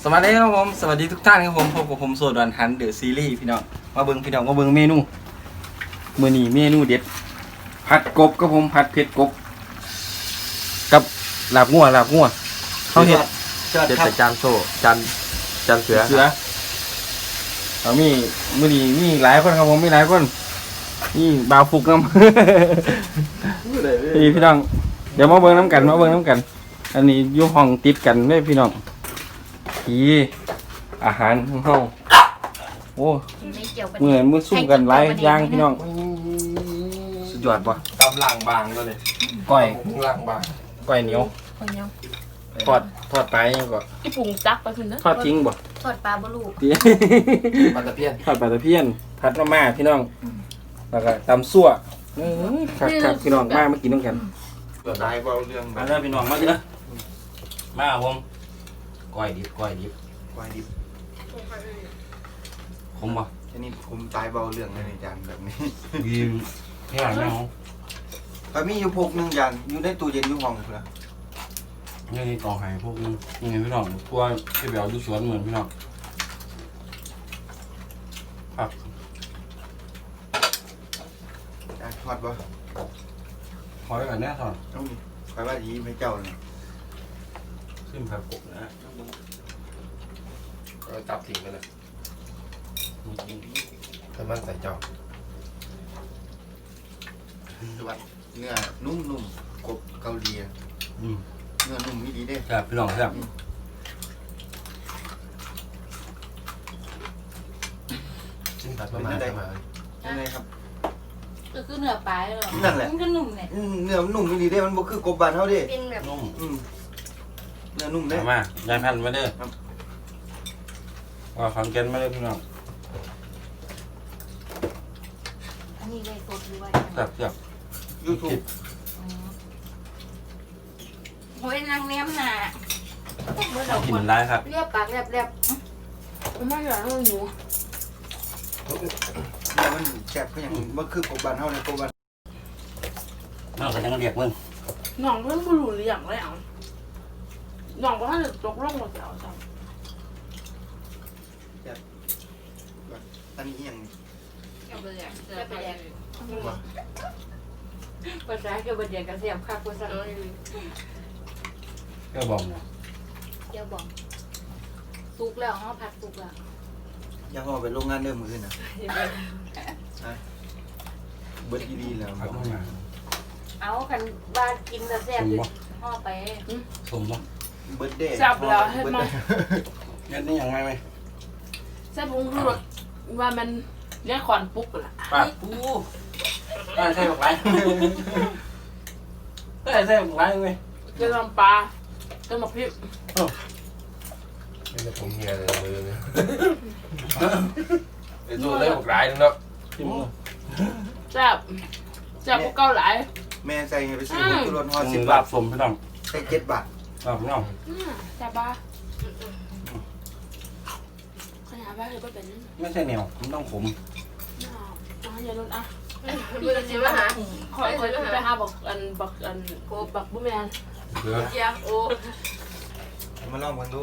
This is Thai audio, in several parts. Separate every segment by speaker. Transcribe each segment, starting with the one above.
Speaker 1: สวัสดีครับผมสวัสดีทุกท่านครับผมพบกับผมโซดอนฮันเดอะซีรีส์พี่น้องมาเบิ่งพี่น้องมาเบิ่งเมนูมื้อนี้เมนูเด็ดผัดกบครับผมผัดเผ็ดกบกับลาบงัวเขาเฮ็ด
Speaker 2: เด็ดแต่จานโซ่จานเสือ
Speaker 1: เอามีมื้อนี้มีหลายคนครับผมมีหลายคนนี่บ่าวฟุกนำ พี่น้องเดี๋ยวมาเบิ่งน้ำกันอันนี้อยู่ห้องติดกันเด้พี่น้องอาหารของเฮาโอ้มือสู้กันหลายอย่างพี่น้องสุดยอดป่ะ
Speaker 2: ตำล่างบางก็เลย
Speaker 1: ก้อย
Speaker 2: ล่างบาง
Speaker 1: ก้อยเหนียวทอดปลายังก็
Speaker 3: ที่ปรุงจักไปคุณนะ
Speaker 1: ทอดทิ้งบ่
Speaker 4: ทอดปลาบลูก
Speaker 2: ปลาตะเพียน
Speaker 1: ทอดปลาตะเพียนผัดมาม่าพี่น้องแล้วก็ตำซั่วครับพี่น้องมากินน้ำกัน
Speaker 2: เกิดได้เบาเรื่อง
Speaker 1: มาเด้อพี่น้องมาเด้อมาผมก้อยดิบ
Speaker 2: ควายดิบ
Speaker 1: คมบ่
Speaker 2: แค่นี้ผมตายเบาเรื่องเลยในจานแบบนี้
Speaker 1: ยิมที่หลังไม่เอา
Speaker 2: ก็มีอยู่พกหนึ่งจานอยู่ในตู้เย็นอยู่ห้องเพื่อ
Speaker 1: นี่ต่อหายพวกนี้ยังไงพี่น้องพวกที่แบบดูสวนเหมือนพี่น้องครับ
Speaker 2: ทอดป่ะ
Speaker 1: ขอไว้ก่อนแน่ทอน
Speaker 2: ต้องมีคอยว่าดีไม่เจ้าเลย
Speaker 1: ขึ้นผักกบนะ
Speaker 2: ก็จับทิ้งไปเลยถ้ามันใส่เจ้าเนื้อนุ่มๆกบเกาหลีเนื้อนุ่มไม่ดีเด้
Speaker 1: ครับพี่น้องครับ
Speaker 2: ชิ้นตัดประมาณได้ยังไงครับ
Speaker 4: ก็คือเนื้อปลาเหรอ
Speaker 2: นั่นแหละ
Speaker 4: มันก็นุ่มเนี่ย
Speaker 2: เนื้อนุ่มไม่ดีเด้มันบ่คือกบบานเท่าเด้
Speaker 4: เป็นแบบ
Speaker 1: นุ่ม
Speaker 2: เนื้อนุ่มเด้
Speaker 1: มายายพันธุ์มาเด้อว่าฟังเกนมาเด้อพี่น้อง
Speaker 4: อันนี้เลยสดด้วย
Speaker 1: ครับ
Speaker 2: ยูทูบ
Speaker 4: โอ้ยนางแนมหนาเมื่อเรา
Speaker 1: กิ
Speaker 4: คน
Speaker 1: นได้ครับ
Speaker 4: เรียบปากเรียบ
Speaker 3: มันไม่เหลือเลยหนู
Speaker 2: เนื้อมันแซ่บก็อย่างบ่คือกบบานเท่าเลยกบบาน
Speaker 1: น้องก็ยังเรียกมึง
Speaker 3: หน่องเรื่องบุหรี่อย่างไรอ่ะหน่องก็ถ้าจะตกร่องหมดแล้วจ้ะ
Speaker 2: อันนี้อย่าง
Speaker 4: ๆเอาไปแดกเอาไปแดกภาษาเกี่ยวกับแดกกระเทียมค่ะภาษา
Speaker 1: ก็บอกนะ
Speaker 4: เกี่ยวบอกสุกแล้วเขาผัดสุกแล้ว
Speaker 2: อย่าห่อไปโรงงานเดิมมือนะเบิดดีๆแล้ว
Speaker 1: พักมา
Speaker 4: เอาคันว่ากินแต่แซ่บอยู่ห่อไป
Speaker 1: สมบ่
Speaker 2: เบิดเด้
Speaker 3: จับแล้วให้มา
Speaker 1: เงี้ยนี่ยังไงไหม
Speaker 3: แซ่บพุงคือว่ามันเนี่ยขอนปุ๊กล่ะ
Speaker 1: ปากปูใช่บอกไรใช่บอกไรไหม
Speaker 3: จะทำปลาจะมาพริก
Speaker 5: ไม่ใช่ผมเมียเลยมือเนี่ยไอ้ตัวได้บอกร้ายนึงเนาะ
Speaker 1: จิ้มเลย
Speaker 3: แซ่บพวกเกาหลาย
Speaker 2: แม่ใส่ไปซื้อตุลนห่อ
Speaker 1: 10
Speaker 2: 10
Speaker 1: บา
Speaker 2: บา
Speaker 1: ท
Speaker 2: ท
Speaker 1: สมพี่น้อง
Speaker 2: ใส่7 บาท
Speaker 1: พี่น้อง
Speaker 3: แซ่บปะขนาดว่าเลยก็เป็น
Speaker 1: ไม่ใช่เหนียวมันต้องขม
Speaker 3: อย่าโดนอ่ะ
Speaker 4: พี่จะซื้อมาหา
Speaker 3: คอยไปหาบอกบักบุ้มแมน
Speaker 5: เสือ
Speaker 4: เจียโอ้
Speaker 2: มาลองกันดู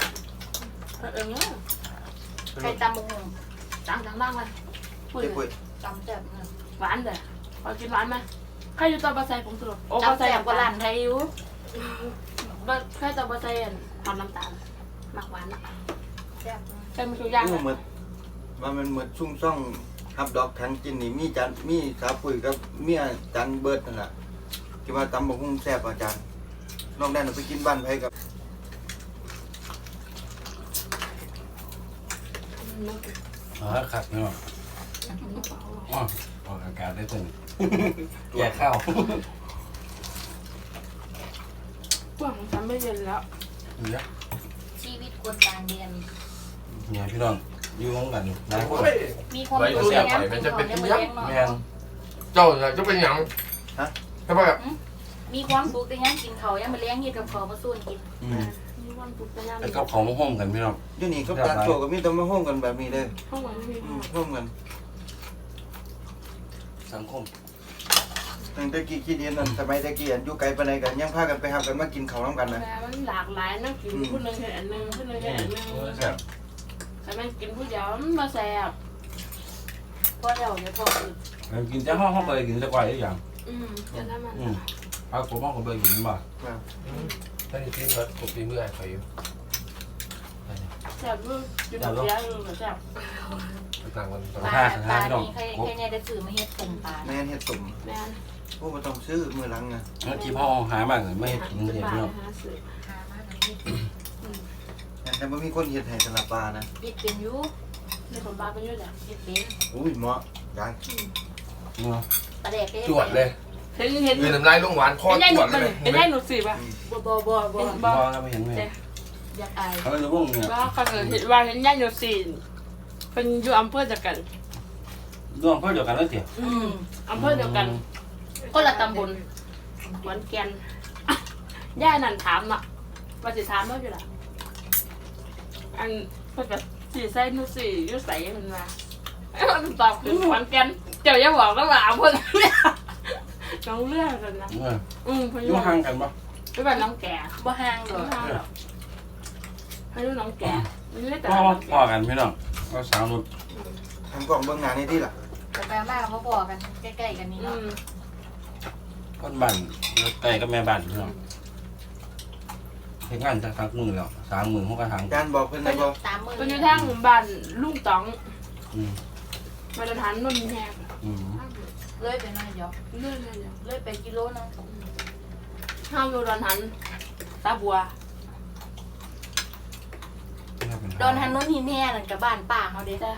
Speaker 4: ใครตำบุ้ง
Speaker 3: ดังเลยพูด
Speaker 2: เจ๊ปุ้ย
Speaker 4: ตำแซ่บ
Speaker 3: หวานเลยพอกินหวานไหมใครอยู่ตอนบะไซผมสรุปโอ้บะ
Speaker 4: ตำ
Speaker 3: ไซ
Speaker 4: แซ่บกว่าร้านไทยอยู่
Speaker 3: ใครตอนบะไซทำน้ำตาลหมักหวานนะ
Speaker 4: แซ่บ
Speaker 3: ใช่มันคือย่าง
Speaker 2: อู้หมดว่ามันหมดชุ่มซ่องฮับดอกทั้งกินนี่มีจานมีสาปุ้ยกับเมียจานเบิดนั่นแหละที่ว่าตำบักหุ่งแซ่บอาจารย์นอกนั้นเราไปกินบ้านไผกับ
Speaker 1: ครับพี่น้องอ๋อออกอากาศได้ตึงแย่ข้าว
Speaker 3: พวกของฉันไม่เย็นแล้ว
Speaker 1: เนี่ย
Speaker 4: ชีวิตคนต่างเรียน
Speaker 1: เนี่ยพี่น้องอยู่ห้องกันหลายคน
Speaker 4: มีความรู้ในงานกินของในมือเลี้ยงเนาะ
Speaker 1: แม่น
Speaker 5: เจ้าจะเป็นหยังใช่ป่ะ
Speaker 4: มีความสุขในงานกินเขายังมาเลี้ยงเฮ็ดกับเขามาสู้กิน
Speaker 3: มีวันปุ๊บไปย่าง
Speaker 1: ไอ้กับของห้องกันพี่น้อง
Speaker 2: อยู่นี่ก็จานโชว์ก็มีแต่มาห้องกันแบบนี้เลย
Speaker 3: ห้องวันไม่มี
Speaker 2: ห้องกัน
Speaker 1: สังคม
Speaker 2: ตั้งแต่กี้คิดเห็นนั่นสมัยตะกี้อยู่ไกลปานใดกันยังพากันไปหากันมากินข้าวนํกันนะ
Speaker 3: แต่มันหลากหลายนะกินผู้หนึงเห็นอันหนึงผู้หนึงเห็นอันหนึง
Speaker 2: ครับ
Speaker 3: แต่มันกินผู้เดียวมันมาแซ่บพอเดี๋ยวจะพออีก
Speaker 1: กินแต่ห้องเคยกินแต่ก่อยอีกอย่าง
Speaker 3: จะทำมัน
Speaker 1: เอาผมห้องก็เคยกินบ่
Speaker 2: ครับ
Speaker 5: ถ้าจริงๆก็กบปีเมื่อใครอยู่
Speaker 3: แซ่บลูกกินแบบเดียวแซ่บ
Speaker 5: ต่างกัน
Speaker 4: ปลานี่ใครเนี่ยได้ซื้อมาเฮ็ดต้มปลา
Speaker 2: แม่นเฮ็ดตุ่ม
Speaker 3: แม่น
Speaker 2: โอ้บ่ต้องซื้อมื้อหลังนะ
Speaker 1: แล้วที่พ่อหามากไม่ให้กิน
Speaker 3: จะ
Speaker 1: เห็ด
Speaker 3: ปลา
Speaker 1: พี่น้อง
Speaker 3: หาซื้อ
Speaker 4: หามาแล้วนี่
Speaker 2: แต่บ่มีคนเฮ็ดให้สำหรับปลานะ
Speaker 4: ปิดเป็นอยู่
Speaker 3: ในคนบ้านเป็นเยอะจ้ะ
Speaker 4: ปิดเป็น
Speaker 2: อุ้ยเหมาะยัง
Speaker 4: ปลาแดก
Speaker 5: จวดเลย
Speaker 3: เห็น
Speaker 5: ยืนน้ำลายลงหวานคอ
Speaker 3: เป็นได้
Speaker 5: จ
Speaker 3: ห
Speaker 5: ว
Speaker 3: นุ
Speaker 5: ด
Speaker 3: ด
Speaker 5: เลย
Speaker 3: เป็นได้หนุดสิป่ะ
Speaker 4: บ่
Speaker 1: บ่ก็ไม่เห็นแม่
Speaker 4: อยากอาย
Speaker 1: เขาจะว่งเนี่ย
Speaker 3: ว่าเขาเห็นว่าเห็นได้หนุดสิเป็นอยู่อำเภอเดียวกัน
Speaker 1: ร่วมเพื่อเดียวกันแล้วเตี๋ย
Speaker 3: อำเภอเดียวกันคนละตำบลขอนแก่นย่านั่นถามอ่ะว่าสิถามว่าอยู่ล่ะอันเพิ่นก็สิใส่หนุดสิอยู่ใส่มันมามันตอบคือขอนแก่นเจ้าอย่าบอกนะว่าอำเภอน้องเลือกกันนะเพิ่น
Speaker 1: อยู่ห่างกันปะ
Speaker 3: ไปบ้านน้องแก่
Speaker 4: บ่ห่างดอก
Speaker 3: ให้ลูกน้องแก่ไม่ได้แต่
Speaker 1: พ่อกันพี่น้องก็สาวนุช
Speaker 2: ทำกล่องเบิ่งงานให้ที่ล่ะ
Speaker 4: แต่แปลว่าเขาพอกันใกล้ๆกันนี่เนาะ
Speaker 1: คนบ้านใกล้กับแม่บ้านพี่น้องเห็นงานสักมือแล้ว30,000เขาก็ทาง
Speaker 2: อาจารย์บอกเพิ่นได้บ่
Speaker 4: ตามมือ
Speaker 3: เป็นอยู่ทางบ้านลุงต๋องมาตรฐานนนท์แหง
Speaker 4: เลยไปหน่อยเดียว
Speaker 3: เลื่อนเลย
Speaker 4: เลยไปกิโลนึง
Speaker 3: ห้าวอยู่ดอนหันตาบัว
Speaker 4: ดอนหันนู้นหินแห่นั่นกับบ้านป้าเขาเด้
Speaker 3: แต่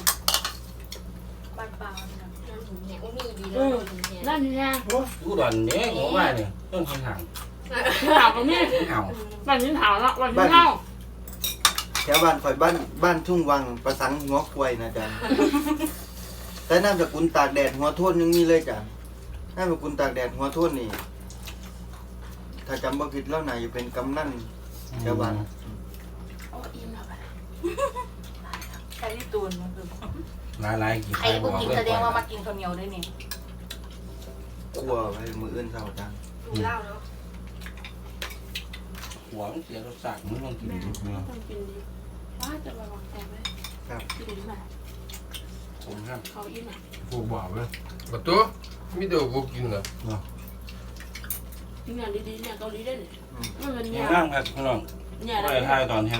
Speaker 4: บ้านป้าเขาเนี่ยดอนหินแห่มีดีเลยดอนหินแห่
Speaker 3: นั่นนี่แหง
Speaker 1: กูดอนเนี่ยหัวว่าเนี่ยต้องกินห่าง
Speaker 3: ถาวตรงนี้
Speaker 1: ห่าว
Speaker 3: บ้านนี้ถาวละบ้านนี้เท่า
Speaker 2: แถวบ้านข่อยบ้านทุ่งวังประสังหัวควายนะอาจารย์ แต่นามสกุลตากแดดหัวโทนยังมีเลยอาจารย์นามสกุลตากแดดหัวโทนนี่ ถ้าจำบ่ผิดแล้วน่าจะเป็นกำนันแถวบ้าน
Speaker 3: โอ้อิ่มแล้วไป
Speaker 4: ใครที่ตูนมันคือ
Speaker 1: ลายกี่
Speaker 4: ไอ้พวกกินแสดงว่ามากินข้าวเหนียวด้วยนี่
Speaker 2: กลัวไปมืออื่นเศร้าอาจารย์
Speaker 3: ดูเล่าแล้ว
Speaker 1: หัวมันเสียรสชาติมันต้องกินนิดนึง
Speaker 3: ต้องกินดีว่าจะมาวางแผนไหม
Speaker 2: ครับ
Speaker 3: กินดีไหม
Speaker 1: ผมครับ
Speaker 3: เขาอิ่มอ่ะ
Speaker 5: ผูกบ่าวเลยประตูมีเดี๋ยวกูกินเหรอ
Speaker 3: เนี่ยดีๆเนี่ยเกาหลีได้เนี่ยมันเป็น
Speaker 1: ยั
Speaker 3: เนี่ย
Speaker 1: งนั่งครับพี่น้อง
Speaker 3: เนี่ย
Speaker 1: ก็
Speaker 3: ได้
Speaker 1: เลยถ่ายตอนนี้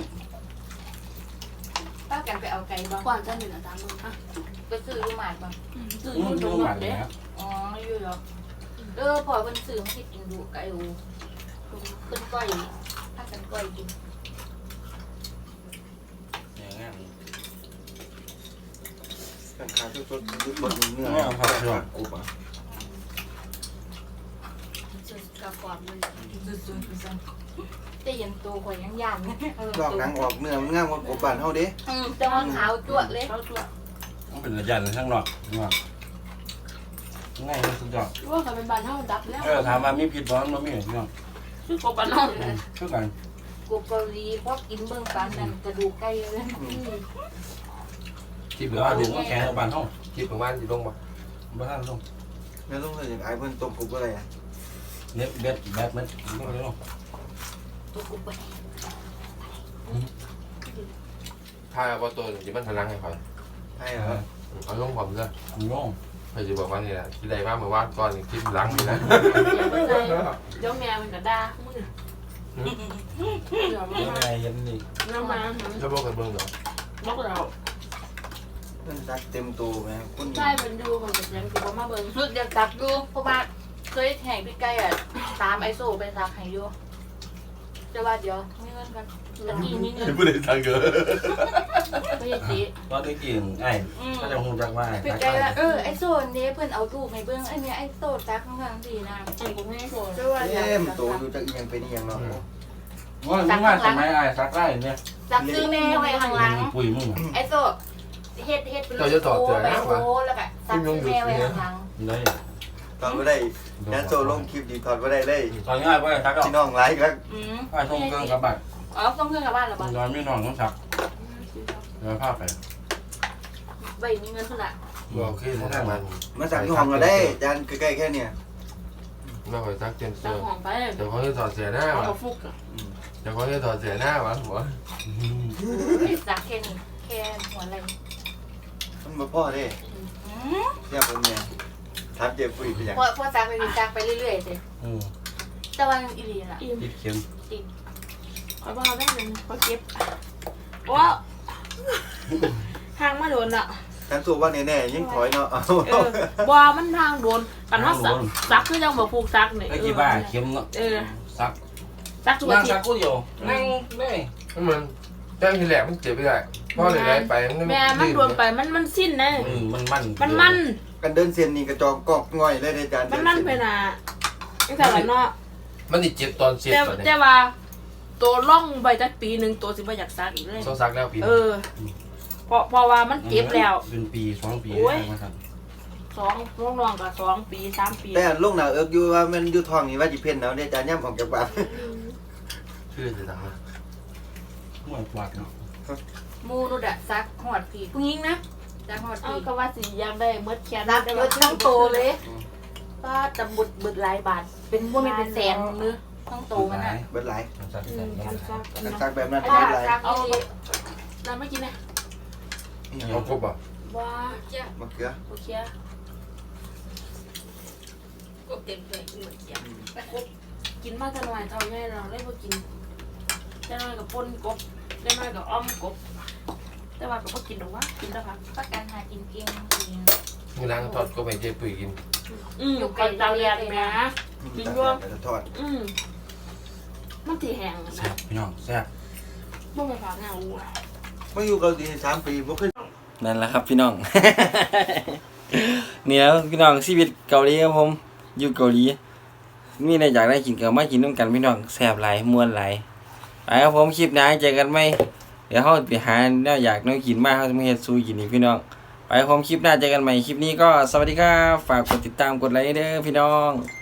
Speaker 4: ป้ากันไปเอาไก่บ้าง
Speaker 3: ก่อนจะหนึ่งตามมึงอ่ะ
Speaker 4: ไปซื้อลูกหมากบ้าง
Speaker 3: ตื่น
Speaker 1: มัน
Speaker 3: ตร
Speaker 1: ดู
Speaker 3: ง
Speaker 1: ห
Speaker 3: แบ
Speaker 1: วาน
Speaker 3: บ
Speaker 1: เลย
Speaker 3: เนี้ย
Speaker 1: ครับ
Speaker 4: อ๋ออยู่หรอพอเพิ่นซื้อมาคิดกินดูไก่อูเพิ่นก้อยถ้ากันก้อยกิน
Speaker 1: อย่างนั้น
Speaker 2: กันขาสดๆบดเนื้อกูป่ะ
Speaker 4: ซื้อกระป๋องเลยซื้อแต่ยันตัวข่อยยังย่านเนี่ย
Speaker 2: ลอกหนังออกเนื้อมันงามกว่ากบบ้านเฮาเด้
Speaker 4: แต่ว่าขาวจั่วเลย
Speaker 3: เขาตัว
Speaker 1: มันเป็นระยะเลยข้างนอกง่ายที่สุดยอด
Speaker 3: ว่าเขาเป็นบ้านเท่าดับแล้ว
Speaker 1: ถามว่ามีผิดบ้างมันมีพี่น้อง
Speaker 3: ชื่อกบบ้านเท่าเลย
Speaker 1: ช่วยกัน
Speaker 4: กูเกาหลีพอกินเบิ่งปานนั้นกระดูกไก่เลย
Speaker 5: ที่
Speaker 1: ห
Speaker 5: เบ
Speaker 1: รือ
Speaker 5: อ
Speaker 1: ว่า
Speaker 5: ร์
Speaker 1: ดู
Speaker 5: ดู
Speaker 1: ว่าแกงบ้านห้อง
Speaker 5: ที่ประมาณที่ลงมา
Speaker 1: บ้านห้อง
Speaker 2: แล้วต้องเลยอย่างไอ้เพิ่นต้มกบอะไรอ่ะ
Speaker 1: เน็ตเบ็ดแบบมันก็เลยห้อง
Speaker 4: ตัวกูไป
Speaker 5: ถ้าว่าตัวที่มันพลังให้คอย
Speaker 2: ใช่เหรอ
Speaker 5: เอาลงผมเลย
Speaker 1: งง
Speaker 5: ใครจะบอกว่านี่แหละที่ใดว่าเมื่อวานก่อนคลิปหลังนี่นะ
Speaker 3: เดี๋ยวแม่มันก็ด่ามึงเดี๋ยว
Speaker 1: ยังไงยันนี่
Speaker 3: น้ำมา
Speaker 5: จะบอกกันเบิ่งเหรอ
Speaker 3: บอกเรา
Speaker 2: เพิ่นซักเต็มตัวแม่คน
Speaker 3: ใช่เป็นดูมันจะยังคือมาเบิ่ง
Speaker 4: สุดอยากตักดูเพราะว่าเคยแห่พี่ไก่อ่ะตามไอโซไปตักให้อยู่จะว่าเดี๋ยวมีเงินกันตะกี้มีเงิน
Speaker 5: ผู้ใดสั่งเกิน
Speaker 3: ไม่ใช่จี
Speaker 1: ตอนที่กินไอ้ก็จะคงจักว่า
Speaker 4: พี่ไก่ว่าไอโซนนี้เพิ่นเอารูปให้เบิ่งอันนี้ไอโซตักข้างๆสินะ
Speaker 3: อันกูไม่โกรธ
Speaker 4: จะว่าอยาก
Speaker 2: เต็ม
Speaker 4: ตัก
Speaker 2: ตัวอยู่จักอีหยังเป็นอีหยังเนาะ
Speaker 1: ว่าไม่ว่าสมัยไอ้ซักได้เนี่ย
Speaker 4: ตักซื้อแม่ไว้ข้างหลัง
Speaker 1: ปุ๋ยมึง
Speaker 4: ไอโซเฮ็ดเป็นรูปโตไปโตแล้วก็ตักซื้อแม่ไว้ข้างหลัง
Speaker 1: ได้
Speaker 2: ถอดบ่ได้แดนโซลงคลิปดีถอดบ่ได้เลย
Speaker 1: ตอนง่ายไปซักก็
Speaker 2: พี่น้องหลายครับ
Speaker 1: ไอ้ทงเครื่องกับบัตร
Speaker 4: อ๋อส่งเครื่องกลับบ้านแล้วบ่
Speaker 1: นอนไม่นอนต้องซักเดี๋ยวภาพไป
Speaker 4: ไว้มีเงินพุ่นล่ะ
Speaker 5: บอกขึ้นทางมัน
Speaker 2: มาสั่งห้องก็ได้จานใกล้ๆแค่เนี่ย
Speaker 5: ไม่ค่อยซักเต็ม
Speaker 3: ตั้
Speaker 5: เสื้
Speaker 3: ง
Speaker 5: อ
Speaker 3: ห้องไป
Speaker 5: เดี๋ยวเขาจะถอดเสียหน้า
Speaker 3: เอา
Speaker 5: วะ
Speaker 3: กระฟุกอะ
Speaker 5: เดี๋ยวเขาจะถอดเสียหน้าวะหัว
Speaker 4: ซักแค่นี้แค่หัวไหล่
Speaker 2: มันมาพ่อเด้เนี่ยผมเนี่ยทับเจ็บปุยไปอย่าง
Speaker 4: พอซักไปซักไปเรื่อยๆสิ
Speaker 1: อืม
Speaker 4: แต่ว่าอีหลีน่ะ
Speaker 3: อิ่ม
Speaker 1: ติดเข็ม
Speaker 3: คอยบ้าได้เลยคอยเก็บว้าวทางมาโดนอ่ะ
Speaker 2: การสู้ว่าแน่ๆยิ่งถอยเนาะ
Speaker 3: บัวมันทางโดนกันว่าซักคือยังบ่ผูกซักเนี่ย
Speaker 1: ไอ้กี่บ้าเข็มเนาะ ซัก
Speaker 3: ซักทุก
Speaker 1: นั่
Speaker 3: อาง ทิต
Speaker 1: ซัก
Speaker 3: ย์
Speaker 1: กูเดียวนั่งได้
Speaker 5: มันแจ้งทีแรกมันเจ็บไปได้เพราะอะไรไป
Speaker 3: แม่มันโดนไปมันสิ้นนะ
Speaker 1: มัน
Speaker 2: กันเดินเส้นนี่กระจอกกอกง่อยเลยอาจารย์
Speaker 3: มันไปน่ะตั้งแต่ละเนาะ
Speaker 5: มันติดเจ็บตอนเสียตอนนี้
Speaker 3: แต่ว่าตัวล่องใบจักปีหนึ่งตัวสิบ่อยากซักอีกเลย
Speaker 5: ต้องซักแล้วปี
Speaker 3: เพราะว่ามันเจ็บแล้ว
Speaker 1: เป็นปี2 ปี
Speaker 3: โอ้ย
Speaker 1: แล้วครับ
Speaker 3: น้องๆก็2 ปี 3 ปี
Speaker 2: แต่ลงหน้าเอิกอยู่ว่ามันอยู่ท้องนี่ว่าสิเพ่นเอาเนี่ยอาจารย์ย่ำออกจากบ้าน
Speaker 5: ชื่อจะดังนะ
Speaker 1: หัวปวดเนาะ
Speaker 4: มูนุดอะซักหอดผีผู้หญิงนะซักหอด
Speaker 3: เอา
Speaker 4: ผี
Speaker 3: ก็ว่าสิยังได้เมื่อแค่
Speaker 4: นับเยอะทั้งโตเลยก็จะบุดหลายบาทเป็นพวกมีเป็นแสนเนื้อทั้งโตมันน่ะ
Speaker 2: เบิดหลาย
Speaker 1: ซัก
Speaker 3: การซัก
Speaker 2: กันซักแบบนั้น
Speaker 4: ถ้า
Speaker 2: เบิดหลาย
Speaker 4: ซัก
Speaker 3: เอา
Speaker 4: อีหลี
Speaker 3: น้ำไม่กินนะ
Speaker 5: เอาครบอ่ะ
Speaker 3: ว้าม
Speaker 2: ะเขือ
Speaker 3: โอเค
Speaker 4: กบเต็มเลยเหมือนเกี๊ยว
Speaker 3: กินมากจะหน่อยเท่าไงเราได้พอกินจะน้อยกับป่นกบจะน้อยกับอ้อมกบแต่ว่าก็พอกินหรอกวะกินแล้วค่ะ
Speaker 4: ประกันหากินเก่งจริง
Speaker 5: มือล้างทอดก็ไม่เจ็บปุ๋ยกิน
Speaker 3: อยู่ไกลเตาเรียนนะ กินด้วย
Speaker 2: ทอด
Speaker 3: มันสีแห้ง
Speaker 1: แซ่
Speaker 3: นะ
Speaker 1: บพี่น้องแซ่บ
Speaker 3: บ่ไปฝากเงาอ่ะ
Speaker 2: มาอยู่เกาหลี3 ปีบ่เคย
Speaker 1: นั่นแหละครับพี่น้อง นี่แล้วพี่น้องชีวิตเกาหลีครับผมอยู่เกาหลีมีอะไรอยากได้กินก็มากินน้ำกันพี่น้องแซ่บหลายม่วนหลายไปครับผมคลิปหน้าเจอกันไหมเดี๋ยวเขาไปหาแนวอยากน้อยกินมากเขาจะมาเฮ็ดซูกินอีกพี่น้องไปครับผมคลิปหน้าเจอกันใหม่คลิปนี้ก็สวัสดีครับฝากกดติดตามกดไลค์เด้อพี่น้อง